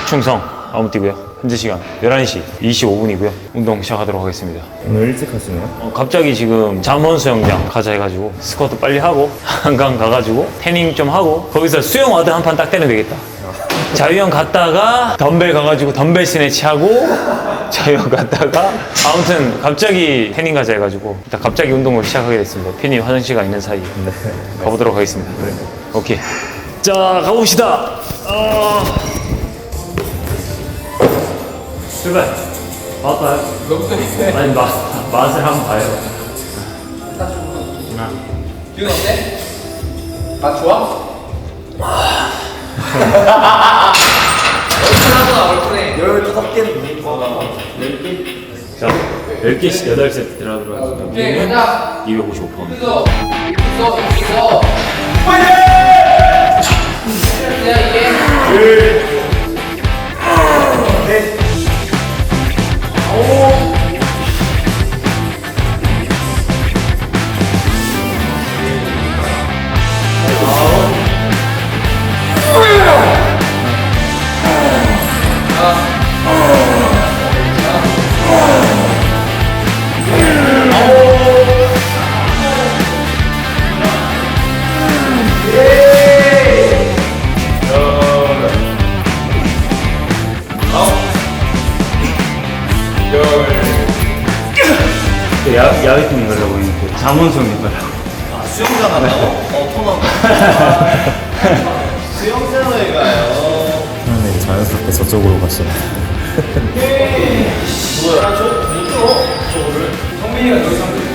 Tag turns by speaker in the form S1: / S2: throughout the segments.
S1: 충성 아무띠고요. 현재 시간 11시 25분이고요. 운동 시작하도록 하겠습니다.
S2: 오늘 일찍 하시네요?
S1: 갑자기 지금 잠원 수영장 가자 해가지고 스쿼트 빨리 하고 한강 가가지고 태닝 좀 하고 거기서 수영 와드 한 판 딱 때리면 되겠다. 자유형 갔다가 덤벨 가가지고 덤벨 스네치 하고 자유형 갔다가 아무튼 갑자기 태닝 가자 해가지고 일단 갑자기 운동을 시작하게 됐습니다. 편히 화장실 가 있는 사이에 가보도록 하겠습니다. 오케이, 자 가봅시다. 출발. 맛봐요.
S3: 너부터 해.
S1: 아니 맛을 한번 봐요.
S3: 기분 어때? 맛 좋아? 얼큰해.
S2: 15개는
S1: 자, 10개씩 8세트 들어가도록 하겠습니다.
S3: 오케이, 가자.
S1: 255%.
S3: 있어. 파이팅! 이게.
S1: 야외팀 가려고 했는데 잠원 수영장 가려고.
S2: 수영장 하나요? 토너 수영장을 가요. 네, 자연스럽게 저쪽으로 가시네.
S3: 성민이가 여기 상대.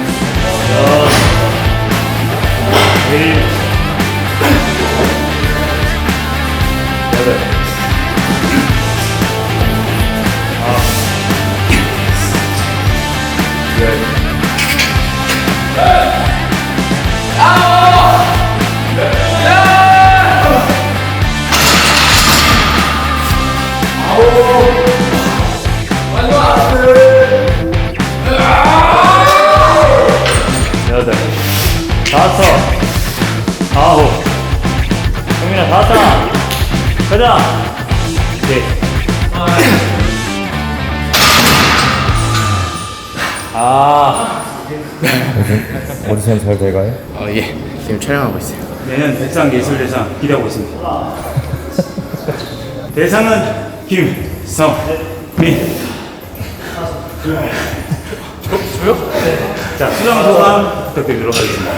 S1: 여덟, 다섯, 아홉, 성민아 다섯, 가자. 네.
S2: 오디션 잘 돼가요?
S3: 예. 지금 촬영하고 있어요.
S1: 내년 백상예술대상 기대하고 있습니다. 대상은 김성민.
S3: 저요?
S1: 자, 수상 소감 부탁드리도록 하겠습니다.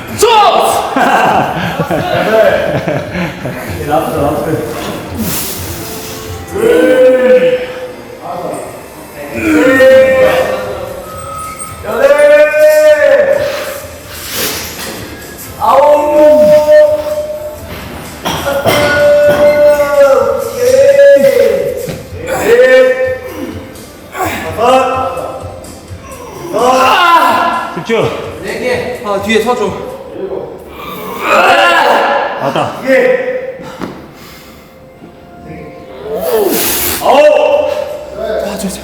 S1: 집중.
S3: 4개. 아, 뒤에 서줘.
S1: 왔다.
S3: 아, 저.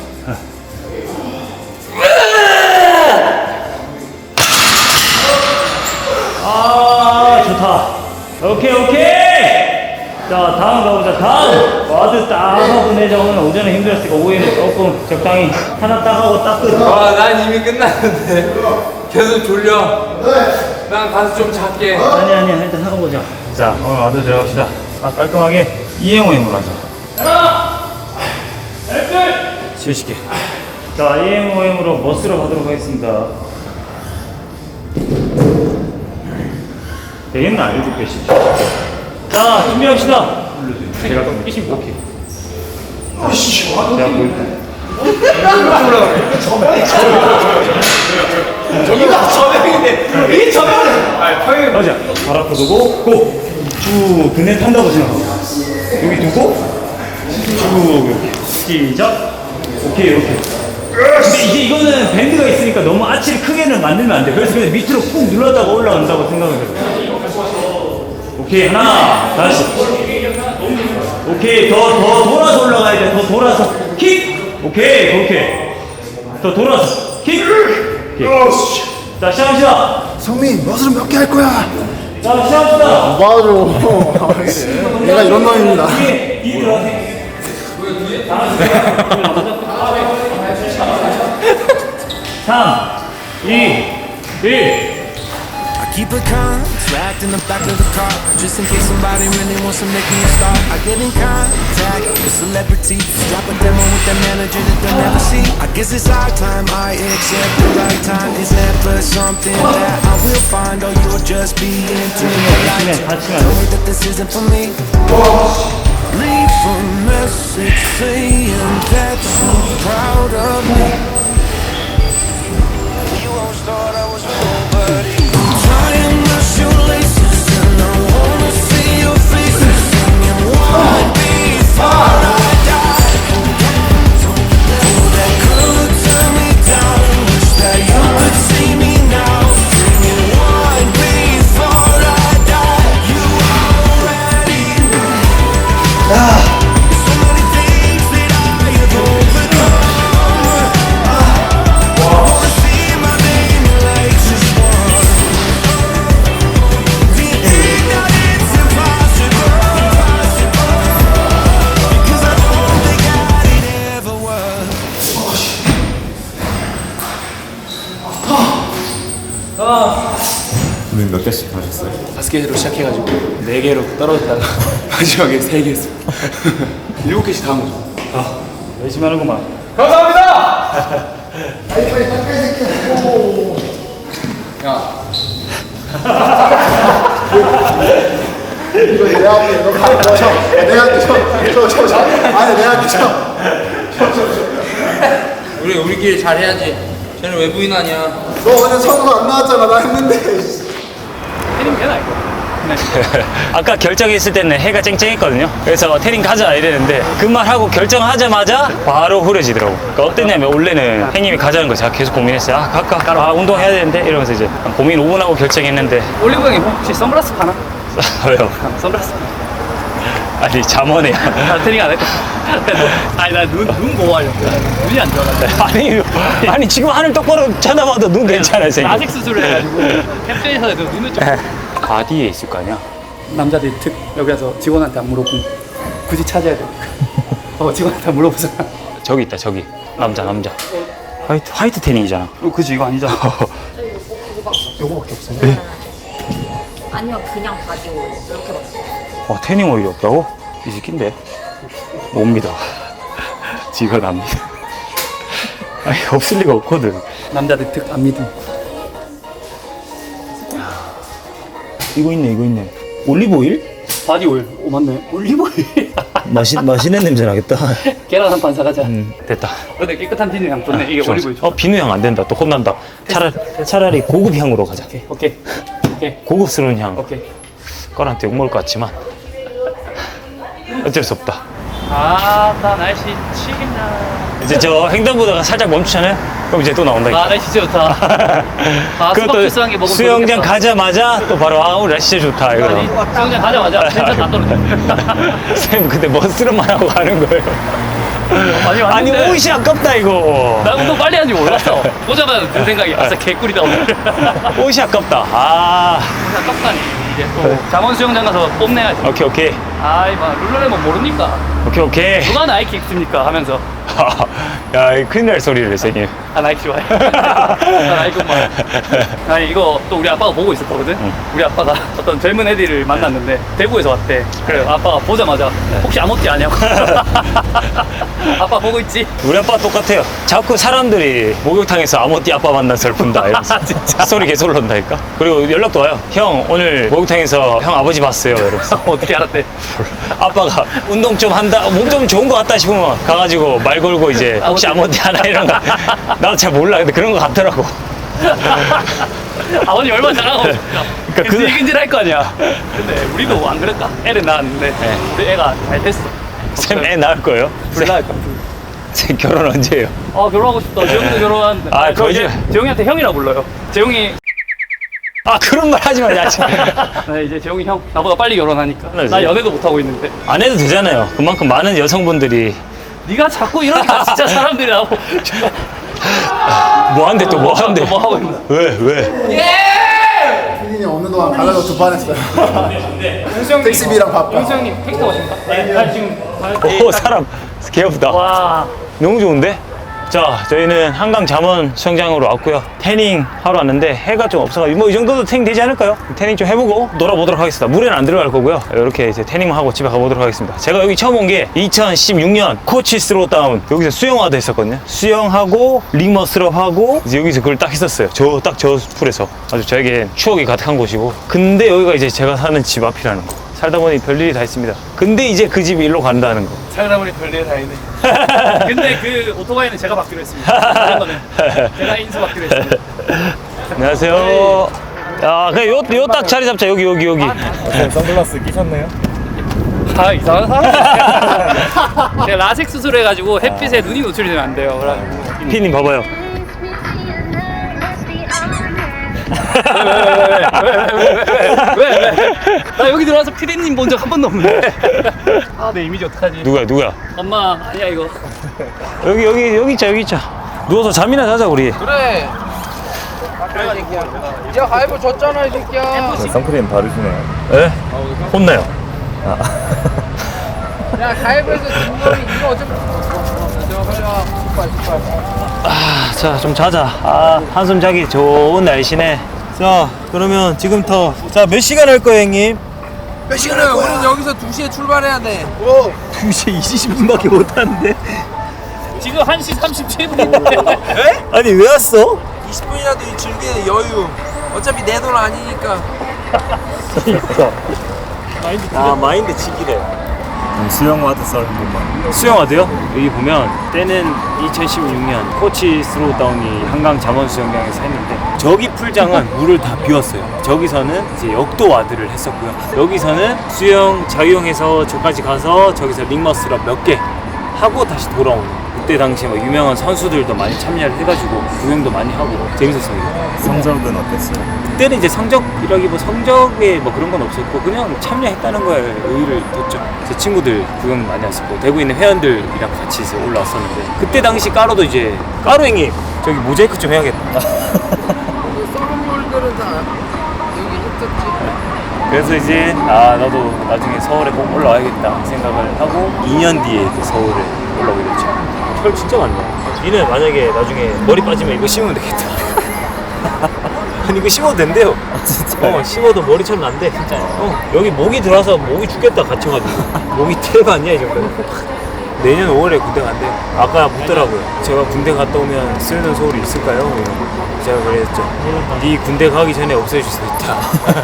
S1: 좋다. 오케이. 자, 다음 가보자. 다음. 와드 딱 하고 내자. 오늘 오전에 힘들었으니까 오후에는 조금 적당히 하나 딱 하고 딱 끝.
S3: 난 이미 끝났는데. 계속 졸려. 난 가서 좀 잘게.
S1: 아니야. 일단 하고 보자. 자, 오늘 와드 들어갑시다. 깔끔하게 이행오행으로 하자. 70개. 자, 이행오행으로 머스로 가도록 하겠습니다. 되겠나? 7개씩. 자, 준비합시다. 제가 좀 25개. 제가 보일게요.
S3: 저기가 저명인데. 이 저명은.
S1: 가자. 발 앞으로 두고, 고! 쭉, 그네 탄다고 생각하고. 여기 두고, 쭉, 이렇게. 시작. 오케이. 근데 이제 이거는 밴드가 있으니까 너무 아치를 크게는 만들면 안 돼. 그래서 그냥 밑으로 꾹 눌러다가 올라간다고 생각을 해요. 오케이, 하나, 다시. 오케이, 더 돌아서 올라가야 돼. 더 돌아서. 킥! 오케이, 그렇게. 더 돌아서. 킥! 오케이. 자, 시작합시다.
S2: 성민, 머슬은 몇 개 할 거야?
S1: 자, 시작합시다.
S2: 맞아. 내가 이런 놈입니다.
S1: 뒤에 들어가세요. 3, 2, 1.
S4: I keep a contract in the back of the car just in case somebody really wants to make me a star. I get in contact with celebrities, drop a demo with their manager that they'll never see. I guess it's our time, I accept the right time. It's never something that I will find, or you'll just be into the light. Tell me that this isn't for me. Leave a message saying that you're proud of me. You always thought I was nobody. Tying my shoelaces and I wanna see your faces singing one before I die. Oh, that could turn me down. Wish that you could see me now. Singing one before I die. You already know. So many things that I have overcome. I wanna see my name like just one.
S2: 오늘 몇 개씩 하셨어요?
S3: 5개로 시작해가지고 4개로 떨어졌다가 마지막에 3개 했어. 7개씩 다 한 거죠.
S1: 열심히 하는구만.
S5: 이거 내가 할게. 너 가. 내가 할게. 저. 아니, 내가 할게.
S3: 우리끼리 잘해야지. 쟤는 외부인 아니야.
S5: 너 어제 선수 안 나왔잖아. 나 했는데.
S3: 해님 되나 이거?
S1: 아까 결정했을 때는 해가 쨍쨍했거든요. 그래서 태닝 가자 이랬는데 그 말 하고 결정하자마자 바로 흐려지더라고. 그러니까 어땠냐면 원래는 형님이 가자는 거 제가 계속 고민했어요. 아 갈까? 아 운동해야 되는데 이러면서 이제 고민 5분 하고 결정했는데
S3: 올리브 형이 혹시 선글라스 파나?
S1: 왜요?
S3: 선글라스.
S1: 아니 잠원에
S3: 나 태닝 안 했다. 아니 나 눈 보호하려고. 눈이 안 좋아가지고.
S1: 아니 지금 하늘 똑바로 쳐다봐도 눈 괜찮아요 선생님.
S3: 라식 수술을 해가지고 캡슐에서 눈을 좀.
S1: 바디에 있을 거 아니야?
S3: 남자들이 특 여기 와서 직원한테 안 물어보고 굳이 찾아야 돼. 직원한테 안 물어보잖아.
S1: 저기 있다 저기 남자 화이트 태닝이잖아.
S3: 그지 이거 아니잖아.
S5: 요거밖에 없어.
S6: 아니요, 그냥 바디 오일 이렇게 봤어요.
S1: 태닝 오일이 없다고? 이 새끼인데 못 믿어. 지가 안 믿어. 아니 없을 리가 없거든.
S3: 남자들 특 안 믿음.
S1: 이거 있네. 올리브 오일?
S3: 바디 오일. 오 맞네. 올리브 오일.
S1: 맛있는 냄새 나겠다.
S3: 계란 한 판 사가자.
S1: 됐다.
S3: 근데 깨끗한 비누 향 좋네. 이게 올리브 오일.
S1: 비누 향 안 된다. 또 혼난다. 차라리 고급 향으로 가자.
S3: 오케이.
S1: 고급스러운 향.
S3: 오케이.
S1: 꺼한테 욕먹을 것 같지만 어쩔 수 없다.
S3: 나 날씨 치긴다.
S1: 이제 저 횡단보도가 살짝 멈추잖아요. 그럼 이제 또 나온다.
S3: 날씨 진짜 좋다.
S1: 그것도
S3: 수박주스한 게 먹으면
S1: 수영장
S3: 좋겠다.
S1: 가자마자 또 바로 오늘 날씨 진짜 좋다. 이거.
S3: 아니, 수영장 가자마자 텐션 다 떨어져.
S1: 쌤 근데 멋스름만 하고 가는 거예요. 아니
S3: 왔는데
S1: 옷이 아깝다 이거.
S3: 나 운동 빨리 하는지 몰랐어. 보자마자 든 생각이 아싸 개꿀이다 오늘.
S1: 옷이 아깝다. 아
S3: 아깝다니. 이제 또 잠원 수영장 가서 뽐내야지.
S1: 오케이.
S3: 아이 막 룰루레몬 모르니까.
S1: 오케이.
S3: 누가 나이키 입습니까 하면서.
S1: 야, 이 큰일 날 소리를 선생님.
S3: 나이키 좋아해. 나이키 엄마. 아니 이거 또 우리 아빠가 보고 있었거든. 우리 아빠가 어떤 젊은 애들을 만났는데 대구에서 왔대. 그래 아빠가 보자마자 혹시 아모띠 아냐고. 아빠 보고 있지?
S1: 우리 아빠 똑같아요. 자꾸 사람들이 목욕탕에서 아모띠 아빠 만나서 본다 이러면서
S3: 진짜?
S1: 소리 계속 올라온다니까. 그리고 연락도 와요. 형 오늘 목욕탕에서 형 아버지 봤어요 이러면서.
S3: 어떻게 알았대?
S1: 아빠가 운동 좀 한다, 몸 좀 좋은 것 같다 싶으면 가가지고 말 걸고 이제 혹시 아모띠 하나 이런 거. 나도 잘 몰라. 근데 그런 거 같더라고.
S3: 아버님 얼마나 잘하고
S1: 그러니까 그-
S3: 근질근질할 거 아니야. 근데 우리도 안 그럴까? 애를 낳았는데 우리 애가 잘 됐어.
S1: 쌤 애 낳을 거예요?
S3: 둘 낳을 거야.
S1: 쌤 결혼 언제예요?
S3: 결혼하고 싶다. 재용이도 결혼하는데.
S1: 아,
S3: 저 이제
S1: 거짓말.
S3: 재용이한테 형이라 불러요. 재용이
S1: 아 그런 말 하지 마. 야,
S3: 이제 재용이 형 나보다 빨리 결혼하니까
S1: 네,
S3: 나
S1: 네.
S3: 연애도 못 하고 있는데
S1: 안 해도 되잖아요. 그만큼 많은 여성분들이
S3: 네가 자꾸 이러니까 진짜 사람들이 나보고
S1: 뭐 한대 또 뭐 한대.
S3: 뭐 하고 있나?
S1: 왜?
S5: 피디님 없는 동안 가려고 2번 했어요. 택시비랑 밥값.
S3: 윤수 형님 택시 오십니까? 네. 지금
S1: 오 사람 개없다.
S3: 와.
S1: 너무 좋은데? 자, 저희는 한강 잠원 수영장으로 왔고요. 태닝 하러 왔는데 해가 좀 없어가지고 뭐 이 정도도 태닝 되지 않을까요? 태닝 좀 해보고 놀아보도록 하겠습니다. 물에는 안 들어갈 거고요. 이렇게 이제 태닝만 하고 집에 가보도록 하겠습니다. 제가 여기 처음 온 게 2016년 코치 스로다운 여기서 수영화도 했었거든요. 수영하고 링머슬업 하고 이제 여기서 그걸 딱 했었어요. 딱 저 풀에서 아주 저에게 추억이 가득한 곳이고. 근데 여기가 이제 제가 사는 집 앞이라는 거. 살다 보니 별일이 다 있습니다. 근데 이제 그 집이 일로 간다는 거.
S3: 살다 보니 별일 다 있네. 근데 그 오토바이는 제가 받기로 했습니다. 그런 거는 제가 인수 받기로 했습니다.
S1: 안녕하세요. 야, 그냥 요 딱 자리 잡자. 여기.
S2: 선글라스 끼셨네요?
S3: 아 이상한 사람. 제가 라섹 수술 해가지고 햇빛에 눈이 노출이 되면 안 돼요. 그래가지고.
S1: 피님 봐봐요.
S3: 왜? 나 여기 들어와서 피디님 본 적 한 번도 없는데. 아, 내 이미지 어떡하지?
S1: 누구야?
S3: 엄마, 아니야 이거.
S1: 여기 있자. 누워서 잠이나 자자 우리.
S7: 그래. 야 가위바 줬잖아 이 새끼야.
S2: 선크림 바르시네요.
S1: 에? 혼나요.
S7: 야 가위바에서 진 놈이 이거 어차피.
S1: 자, 좀 자자. 한숨 자기 좋은 날씨네. 자, 그러면 지금부터 몇 시간 할 거예요, 형님?
S7: 몇 시간이야? 우리는 여기서 2시에 출발해야 돼.
S1: 2시 20분밖에 못 하는데.
S3: 지금 1시 37분인데.
S1: 아니, 왜 왔어?
S7: 20분이라도 즐기는 여유. 어차피 내 돈 아니니까.
S1: 마인드 지기래.
S2: 수영화도 썰은 것만.
S1: 수영화도요? 여기 보면 때는 2016년 코치 스로다운이 한강 잠원 수영장에서 했는데 저기 풀장은 물을 다 비웠어요. 저기서는 이제 역도 와드를 했었고요. 여기서는 수영 자유형에서 저까지 가서 저기서 링머스럽 몇 개 하고 다시 돌아오는. 그때 당시에 뭐 유명한 선수들도 많이 참여를 해가지고 구경도 많이 하고 재밌었어요.
S2: 성적은 어땠어요?
S1: 그때는 이제 성적이라기 뭐 성적에 뭐 그런 건 없었고 그냥 참여했다는 거에 의의를 뒀죠. 제 친구들 구경 많이 왔었고 대구에 있는 회원들이랑 같이 이제 올라왔었는데 그때 당시 까로도 이제 까로 형님 저기 모자이크 좀 해야겠다.
S7: 썰은 물들은 다 여기 했었지.
S1: 그래서 이제 나도 나중에 서울에 꼭 올라와야겠다 생각을 하고 2년 뒤에 서울에 올라오게 됐죠. 털 진짜 많네. 니는 만약에 나중에 머리 빠지면 이거 심으면 되겠다. 아니 이거 심어도 된대요. 진짜? 심어도 머리처럼 난대. 진짜. 여기 모기 들어와서 모기 죽겠다 갇혀가지고. 모기 테레가 아니야 이 정도면. 내년 5월에 군대 간대요. 아까 묻더라고요. 제가 군대 갔다 오면 쓰는 소울이 있을까요? 이러고. 제가 그랬죠. 네 군대 가기 전에 없애줄 수 있다.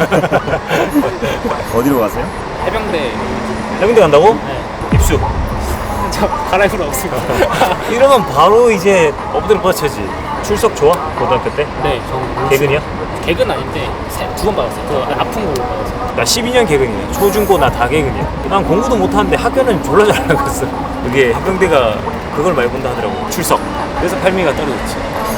S2: 어디로 가세요?
S3: 해병대.
S1: 해병대 간다고?
S3: 네.
S1: 입수.
S3: 저 갈아입으러 없습니다.
S1: 이러면 바로 이제 엎드려 뻗쳐지. 출석 좋아? 고등학교 때?
S3: 네, 저
S1: 개근이야?
S3: 개근 아닌데 2번 받았어요. 그 아픈 걸로 받았어요.
S1: 나 12년 개근이야. 초중고 나 다 개근이야. 난 공부도 못하는데 학교는 졸라 잘 나갔어. 그게 해병대가 그걸 많이 본다 하더라고. 출석. 그래서 팔미가 떨어졌지.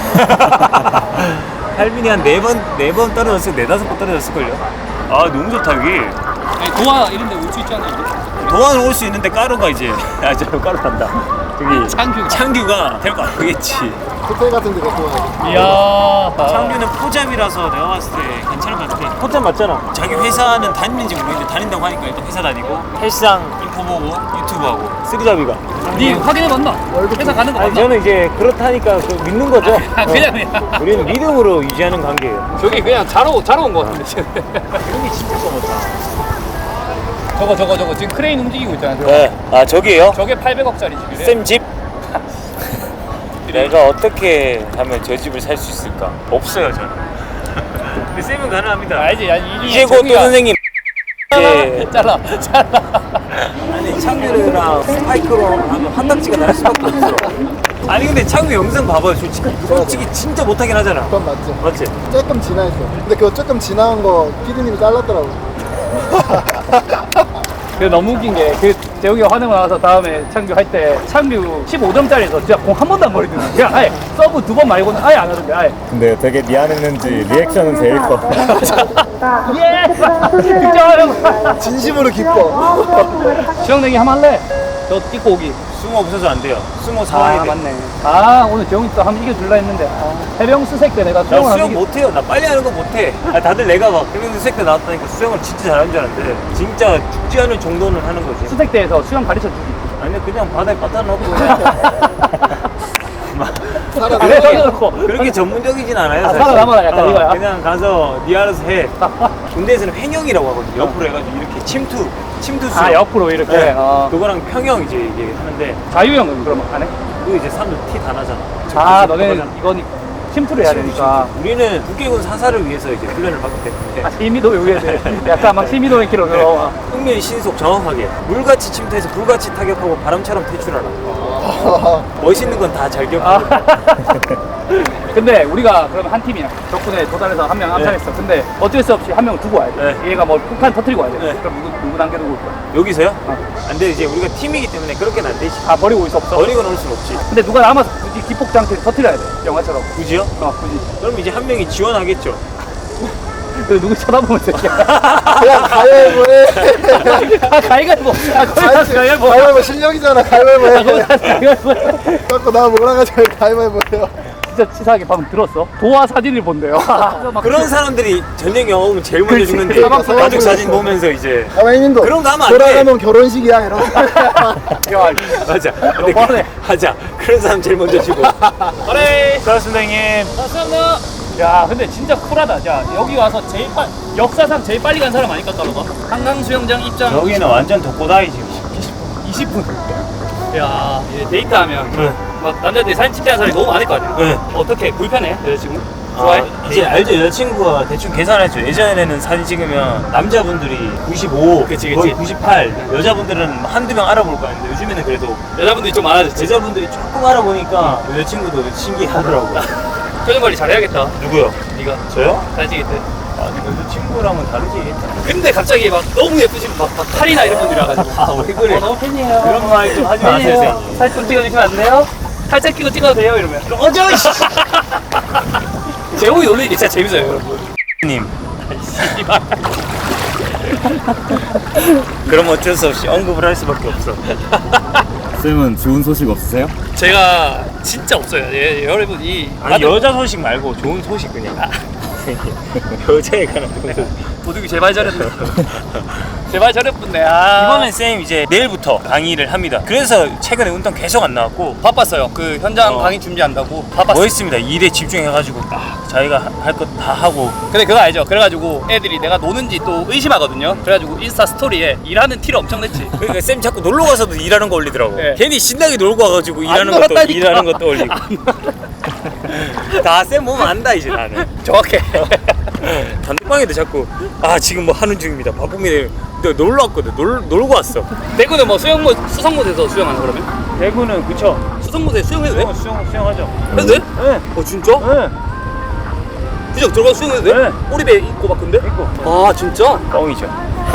S1: 팔민이 한 4번 떨어졌을 4-5번 떨어졌을걸요. 아 너무 좋다 여기.
S3: 아니, 도화 이런 데 올 수 있잖아요.
S1: 도안은 올 수 있는데 까루가 이제 저 까루 탄다. 저기
S3: 창규가
S1: 데리고 안 가겠지.
S5: 호텔 같은 데가 좋아요.
S3: 이야.
S1: 창규는 포잡이라서 내가 봤을 때 괜찮을 것 같아. 포잡 맞잖아. 자기 회사는 다니는지 모르겠는데 다닌다고 하니까 일단 회사 다니고 헬스장 인포 보고 유튜브 하고 쓰리잡이가.
S3: 니 확인해봤나? 회사 가는 거
S1: 아니
S3: 맞나?
S1: 저는 이제 그렇다니까 그 믿는 거죠.
S3: 그냥.
S1: 우리는 믿음으로 유지하는 관계예요.
S3: 저기 그냥 자러 온 거 같은데 지금.
S1: 여기 진짜 까맣다.
S3: 저거 지금 크레인 움직이고 있잖아요.
S1: 네. 저기예요?
S3: 저게 800억짜리 집이래.
S1: 쌤 집? 내가 어떻게 하면 저 집을 살 수 있을까? 없어요 저는. 근데 쌤은 가능합니다.
S3: 알지?
S1: 이제 곧 또 선생님.
S3: 잘라.
S1: 아니 창규랑 스파이크로 하면 한 닥지가 날 수밖에 없어. 아니 근데 창규 영상 봐봐요. 솔직히 진짜 못하긴 하잖아.
S5: 그건 맞죠.
S1: 맞지?
S5: 조금 지나했어. 근데 그거 조금 지나간 거 피디님이 잘랐더라고.
S3: 그 너무 웃긴 게 재욱이가 화내고 나와서 다음에 창규 할 때 창규 15점짜리에서 진짜 공 한 번도 안 버리더니 그냥 아예 서브 2번 말고는 아예 안 하던데 아예.
S2: 근데 되게 미안했는지 리액션은 제일 커.
S3: 예! 득점!
S5: 진심으로 기뻐.
S3: 수영냉이 한번 할래? 저 입고 오기.
S1: 수모 없어서 안 돼요. 수모
S3: 아
S1: 사와야 돼.
S3: 맞네. 아 오늘 재홍이 또 한번 이겨줄라 했는데 해병 수색 때 내가
S1: 나
S3: 수영을
S1: 수영
S3: 하는 게
S1: 못해요. 나 빨리 하는 거 못해. 다들 내가 막 해병 수색 때 나왔다니까 수영을 진짜 잘하는 줄 알았는데 진짜 죽지 않을 정도는 하는 거지.
S3: 수색대에서 수영 가르쳐 주기.
S1: 아니 그냥 바다에 빠따 넣고
S3: 그래서
S1: 그렇게 전문적이진 않아요. 사실.
S3: 살아남아라, 약간 이거야?
S1: 그냥 가서 네 알아서 해. 군대에서는 횡령이라고 하거든요. 옆으로 해가지고 이렇게 침투 수영.
S3: 아 옆으로 이렇게.
S1: 네.
S3: 어.
S1: 그거랑 평영 이제 이게 하는데
S3: 자유형은 그러면 안 해?
S1: 그거 이제 사람들 티 다 나잖아.
S3: 아 너네는 이건 침투를 해야 되니까.
S1: 우리는 국계군 사사를 위해서 이제 훈련을 받기 때문에
S3: 아 시미도 요구해야 돼. 약간 막 시미도의 키로 들어와.
S1: 흥미의 신속 정확하게 물같이 침투해서 불같이 타격하고 바람처럼 퇴출하라. 멋있는 건 다 잘 기억하고.
S3: 근데 우리가 그러면 한 팀이야. 덕분에 도달해서 한 명 암살했어. 근데 어쩔 수 없이 한 명 두고 와야 돼.
S1: 네.
S3: 얘가 뭐 폭탄 터뜨리고 와야 돼.
S1: 네.
S3: 그럼 누구 남겨두고 올 거야?
S1: 여기서요? 안 돼. 이제 우리가 팀이기 때문에 그렇게는 안 되지.
S3: 아 버리고 올 수 없어.
S1: 버리고 놓을 순 없지.
S3: 근데 누가 남아서 굳이 기폭장치를 터뜨려야 돼. 영화처럼.
S1: 굳이요?
S3: 굳이.
S1: 그럼 이제 한 명이 지원하겠죠.
S3: 그 누구 쳐다보면 새끼야.
S5: 그냥 가위바위보 해.
S3: 아 가위가위보. 아 가위가위보.
S5: 가위바위보 실력이잖아. 가위바위보 해.
S3: 가위가위보.
S5: 자꾸 나 몰아가지고 가위바위보 해요.
S3: 진짜 치사하게 방금 들었어? 도화 사진을 본대요.
S1: 그런 사람들이 전쟁 영화 보면 제일 먼저
S3: 그렇지.
S1: 죽는데 가족 사진 보면서 이제
S5: 가만히님도
S1: 그런 거 하면 안 돼.
S5: 돌아가면 결혼식이야 이러고.
S3: 야,
S1: 맞아. 근데
S3: 너무하네.
S1: 하자. 그런 사람 제일 먼저 죽어.
S3: 그래.
S1: 고맙습니다 형님.
S3: 감사합니다. 야, 근데 진짜 쿨하다. 야, 여기 와서 역사상 제일 빨리 간 사람 아닐까, 까로가? 한강 수영장 입장
S1: 여기는 완전 독고다이지.
S3: 20분. 야, 이제 데이트하면 막 남자들이 사진 찍자는 사람이 너무 많을 거 아니야?
S1: 네.
S3: 어떻게 불편해? 여자친구? 좋아해?
S1: 이제 알죠. 여자친구가 대충 계산했죠. 예전에는 사진 찍으면 남자분들이 95,
S3: 그치,
S1: 거의
S3: 그치.
S1: 98, 여자분들은 한두 명 알아볼 거 아닌데 요즘에는 그래도
S3: 여자분들이 좀 많아졌지.
S1: 여자분들이 조금 알아보니까 여자친구도 신기하더라고요.
S3: 표정 관리 잘해야겠다.
S1: 누구요?
S3: 네가
S1: 저요?
S3: 사진 찍을 때.
S1: 아니 여자친구랑은 다르지.
S3: 근데 갑자기 막 너무 예쁘신 막 칼이나 이런 분들이 와가지고
S1: 아 왜 그래?
S3: 너무 팬이에요.
S1: 그런 말 좀 하지 마세요. 선생님.
S3: 사진 좀 찍어주시면 안 돼요? 살짝 끼고 찍어도 돼요? 이러면 어저 제목이 놀리는 게 진짜 재밌어요 여러분.
S1: 님. 그럼 어쩔 수 없이 언급을 할 수밖에 없어.
S2: 쌤은 좋은 소식 없으세요?
S3: 제가 진짜 없어요. 여러분
S1: 아니 여자 소식 말고 좋은 소식 그냥. 여자에 관한 좋은 소식.
S3: 도둑이 제발 저랬네. 제발 저랬군네. 아.
S1: 이번엔 쌤 이제 내일부터 강의를 합니다. 그래서 최근에 운동 계속 안 나왔고
S3: 바빴어요. 그 현장 강의 준비한다고 바빴어요.
S1: 멋있습니다. 일에 집중해가지고 딱 자기가 할 것 다 하고.
S3: 근데 그거 알죠? 그래가지고 애들이 내가 노는지 또 의심하거든요. 그래가지고 인스타 스토리에 일하는 티를 엄청 냈지.
S1: 그러니까 쌤 자꾸 놀러 가서도 일하는 거 올리더라고.
S3: 네.
S1: 괜히 신나게 놀고 와가지고 일하는 것도
S3: 놀았다니까.
S1: 일하는 것도 올리고. 다 쌤 보면 안다 이제 나는.
S3: 정확해.
S1: 단톡방에도 자꾸 아 지금 뭐 하는 중입니다. 바쁩니다. 근데 놀러 왔거든. 놀고 왔어.
S3: 대구는 뭐 수성못에서 수영하나 그러면?
S1: 대구는 그쵸.
S3: 수성못에 수영해도 돼?
S1: 수영하죠.
S3: 해도 돼?
S1: 네.
S3: 진짜?
S1: 네.
S3: 그냥 들어가서 수영해도 돼?
S1: 네.
S3: 꼬리배 있고 막 근데?
S1: 있고.
S3: 아 진짜?
S1: 뻥이죠.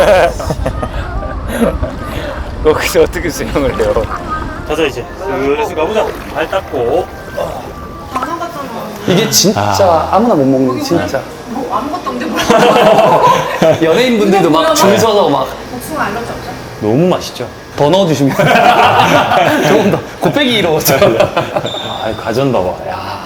S1: 거기서 어떻게 수영을 해요? 가자 이제. 슬슬 가보자. 발 닦고.
S6: 방송 같잖아.
S3: 이게 진짜 아무나 못 먹는 진짜
S6: 뭐 아무것도 없는데 뭐야?
S3: 연예인분들도 막 줄 서서 막
S6: 복숭아 알러지 없죠?
S1: 너무 맛있죠.
S3: 더 넣어주시면 조금 더 곱빼기 이로워져.
S1: 아 가전 봐봐. 야.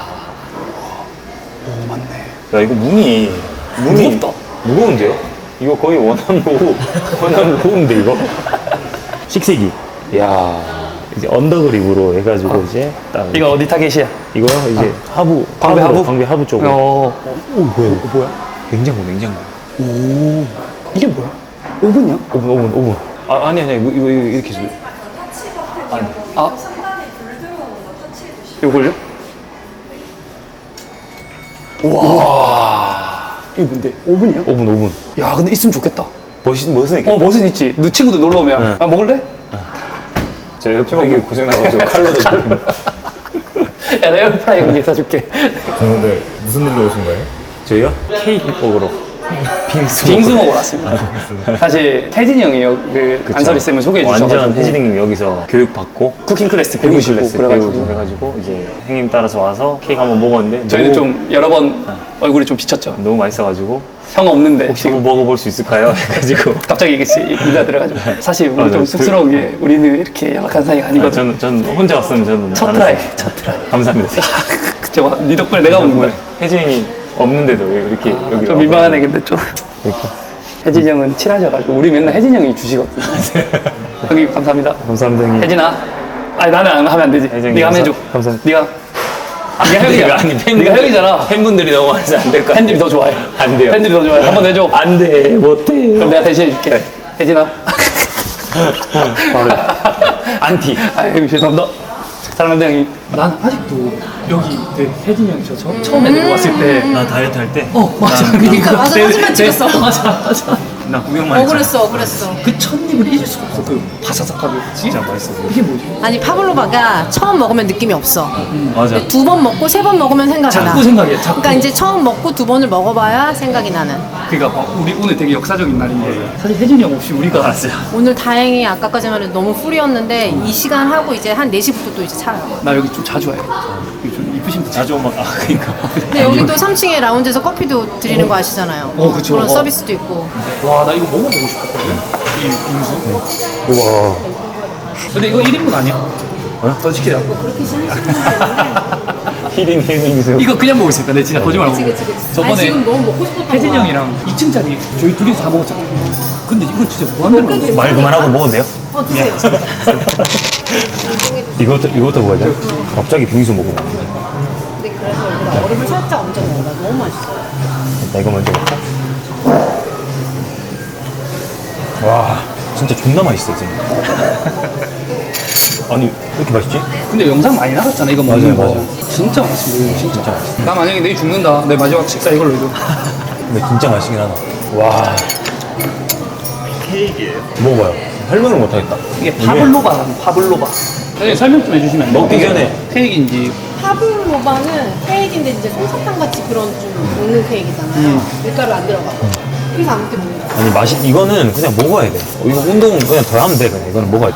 S3: 오 맞네.
S1: 야 이거 문이
S3: 무겁다.
S1: 무거운데요? 이거 거의 원암 로우인데 이거. 식세기. 야 이제 언더그립으로 해가지고 이제 딱
S3: 이거 어디 타겟이야?
S1: 이거 이제 하부 광배 하부 쪽으로.
S3: 오 뭐야? 이거 뭐야?
S1: 냉장고.
S3: 오 이게 뭐야? 오븐이야?
S1: 오븐. 아 아니 이거 이렇게 해서.
S3: 아 요걸요? 와 이게 뭔데? 오븐이야?
S1: 오븐.
S3: 야 근데 있으면 좋겠다.
S1: 멋은
S3: 멋은 있지. 너 친구들 놀러 오면 아 먹을래?
S1: 제 옆집하기 고생 나가지고 칼로도 좀.
S3: 야 내가 에어프라이어 위에 사줄게.
S2: 오늘 무슨 일로 오신 거예요?
S1: 저희요? 케이크 먹으러.
S3: 빙수 먹으러 왔습니다. 사실 혜진이 형이 그 안설이 쌤을 소개해 주셔가지고
S2: 완전 혜진님 여기서 교육 받고
S3: 쿠킹 클래스
S2: 배우고
S3: 배우시고
S2: 클래스
S3: 그래가지고
S2: 배우고 그래가지고 이제 형님 따라서 와서 케이크 한번 먹었는데
S3: 저희는
S2: 너무,
S3: 좀 여러 번 얼굴이 좀 비쳤죠.
S2: 너무 맛있어가지고
S3: 형 없는데
S2: 혹시
S3: 지금
S2: 먹어볼 수 있을까요? 해가지고
S3: 갑자기 이게 입에 들어가지고 사실 우리
S2: 맞아요.
S3: 좀 쑥스러운 게 우리는 이렇게 연락한 사이가 아니거든.
S2: 전 혼자 왔으면 저는
S3: 첫
S2: 안
S3: 트라이,
S2: 했어요.
S3: 첫 트라이.
S2: 감사합니다.
S3: 그쵸, 네 덕분에 내가 먹는 거야.
S2: 혜진이 없는데도 왜 이렇게 여기
S3: 좀 민망하네 근데 좀. 혜진이 형은 친하셔가지고 우리 맨날 혜진이 형이 주시거든. 형님 감사합니다.
S2: 감사합니다 형님.
S3: 혜진아. 아니 나는 안 하면 안 되지.
S2: 혜진이
S3: 네가 하면 해줘.
S2: 감사합니다.
S3: 네가. 네가 형이잖아.
S2: 아니
S3: 네가 형이잖아.
S2: 팬분들이 너무 많아서 안 될 것 같아.
S3: 팬들이 더 좋아해.
S2: 안 돼요.
S3: 팬들이 더 좋아해. 한번 해줘.
S2: 안돼 못해.
S3: 그럼 내가 대신 해줄게. 혜진아.
S2: 안티.
S3: 아유 죄송합니다. 사랑합니다 형님. 난 아직도 여기 혜진이 형이 저 처음에 데리고 왔을 때.
S2: 나 다이어트 할 때.
S3: 맞아.
S6: 그러니까 맞아, 사진만 찍었어.
S3: 맞아.
S2: 나 구경만 했잖아.
S6: 억울했어.
S3: 그 첫 입을 잊을 수가 없어. 그 바사삭하게.
S2: 진짜 맛있어.
S3: 이게 뭐지?
S6: 아니 파블로바가 처음 먹으면 느낌이 없어.
S2: 맞아.
S6: 두 번 먹고 세 번 먹으면 생각이 나.
S3: 자꾸 생각해. 자꾸.
S6: 그러니까 이제 처음 먹고 두 번을 먹어봐야 생각이 나는.
S3: 그러니까 우리 오늘 되게 역사적인 날인데 사실 혜진이 형 없이 우리가 알았어요.
S6: 오늘 다행히 아까까지만 해도 너무 풀이었는데 이 시간 하고 이제 한 4시부터 또 이제 차요.
S3: 나 여기 좀 자주 와요. 여기 좀 이쁘신 분.
S2: 자주 오면 그러니까.
S6: 근데 여기 또 3층에 라운지에서 커피도 드리는 거 아시잖아요.
S3: 그쵸.
S6: 그런 서비스도 있고.
S3: 와, 나 이거 먹어보고 싶었거든. 이 빙수.
S2: 우와.
S3: 근데 이거 1인분 아니야? 더 시키자.
S2: 히딩 빙수.
S3: 이거 그냥 먹을 수 있다. 내 진짜 거짓말 안 하고.
S6: 아니,
S3: 저번에
S6: 지금 너무 먹고 싶었던 거야.
S3: 혜진이 형이랑 2층짜리 저희 둘이 다 먹었잖아. 근데 이거 진짜 무한대로 먹었어.
S2: 말 그만하고 먹어도 돼요?
S6: 드세요.
S2: 이것도 먹어야 돼? 갑자기 빙수 먹어.
S6: 근데 그래서 여기다 얼음을 살짝 얹어 먹어. 나 너무 맛있어.
S2: 나 이거 먼저 먹자. 와, 진짜 존나 맛있어, 지금. 아니, 왜 이렇게 맛있지?
S3: 근데 영상 많이 나갔잖아 이거 먹는
S2: 맞아요,
S3: 거.
S2: 맞아요.
S3: 진짜 맛있어. 진짜 맛있어. 나 만약에 내일 죽는다. 내 마지막 식사 이걸로 해줘.
S2: 근데 진짜 맛있긴 하다. 와. 케이크예요? 먹어봐요. 설명을 못하겠다.
S3: 이게 파블로바라는 파블로바. 네, 설명 좀 해주시면 안 돼요?
S2: 먹기 전에.
S3: 케이크인지.
S6: 파블로바는 케이크인데 이제 솜사탕 같이 그런 좀 먹는 케이크잖아요. 밀가루 안 들어가고. 그래서 아무튼 먹는 거.
S2: 아니, 이거는 그냥 먹어야 돼. 이거 운동 그냥 더 하면 돼, 그냥. 이거는 먹어야 돼.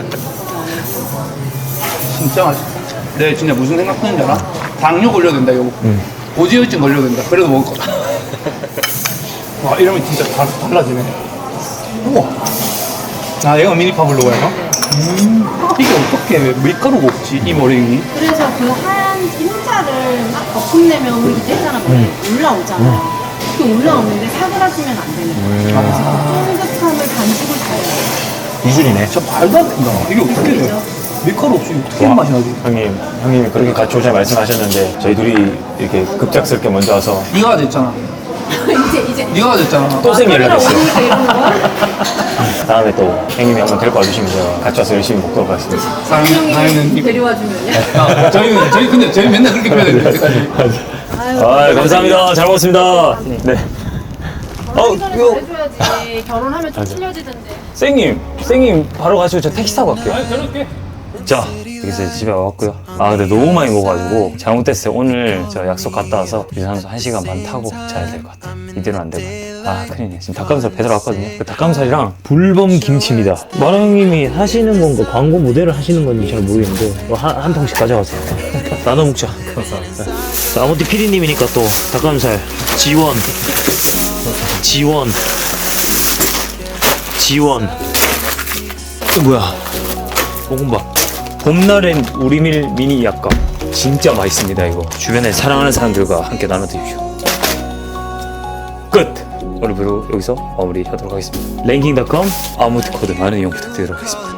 S3: 진짜 맛있어. 내가 진짜 무슨 생각하는지 알아? 당뇨 걸려도 된다 이거. 고지혈증 걸려도 된다. 그래도 먹을 거다. 와 이러면 진짜 달라지네. 우와. 아 얘가 미니 파블로바야? 이게 어떻게 밀가루가 없지 이 머랭이?
S6: 그래서 그 하얀 흰자를 막 거품내면 우리 이제 했잖아. 올라오잖아. 그 올라오는데 사그라지면 안 되는 거야. 그래서 그 쫀득함을 반죽을 잘 해요.
S2: 기술이네.
S3: 진짜 말도 안 된다. 이게 어떻게 돼? 밀가루 없이 어떻게 맛이 나지?
S2: 형님이 그렇게 같이 오자 말씀하셨는데, 저희 둘이 이렇게 급작스럽게 먼저 와서.
S3: 네가 됐잖아.
S6: 이제
S3: 네가 됐잖아.
S2: 또 쌤이 연락했어요.
S6: 오니까 이러는 거야?
S2: 다음에 또 형님이 한번 데리고 와주시면 제가 같이 와서 열심히 먹도록 하겠습니다.
S3: 사장님
S6: 데려와 주면요?
S3: 저희 근데 맨날 그렇게 표현해요 여태까지.
S2: 아, 감사합니다. 잘 먹었습니다. 네.
S6: 결혼하기 전에 잘해줘야지. 결혼하면 좀 틀려지던데.
S2: 쌤님 바로 가시고 저 택시 타고 갈게요.
S3: 저렇게.
S2: 자, 여기서 집에 와봤고요. 아, 근데 너무 많이 먹어가지고 잘못됐어요. 오늘 저 약속 갔다 와서 유산소 1시간 반 타고 자야 될 것 같아. 이대로 안 될 것 같아. 아, 큰일이네. 지금 닭가슴살 배달 왔거든요. 그 닭가슴살이랑 불범 김치입니다. 마라 형님이 하시는 건가, 광고 모델을 하시는 건지 잘 모르겠는데 한 통씩 가져가세요. 나눠 먹자. 자, 아무튼 PD님이니까 또 닭가슴살 지원. 뭐야? 볶음밥. 봄날엔 우리밀 미니 약감. 진짜 맛있습니다, 이거. 주변에 사랑하는 사람들과 함께 나눠드십시오. 끝! 오늘 배로 여기서 마무리하도록 하겠습니다. 랭킹닷컴 아무트 코드 많은 이용 부탁드리도록 하겠습니다.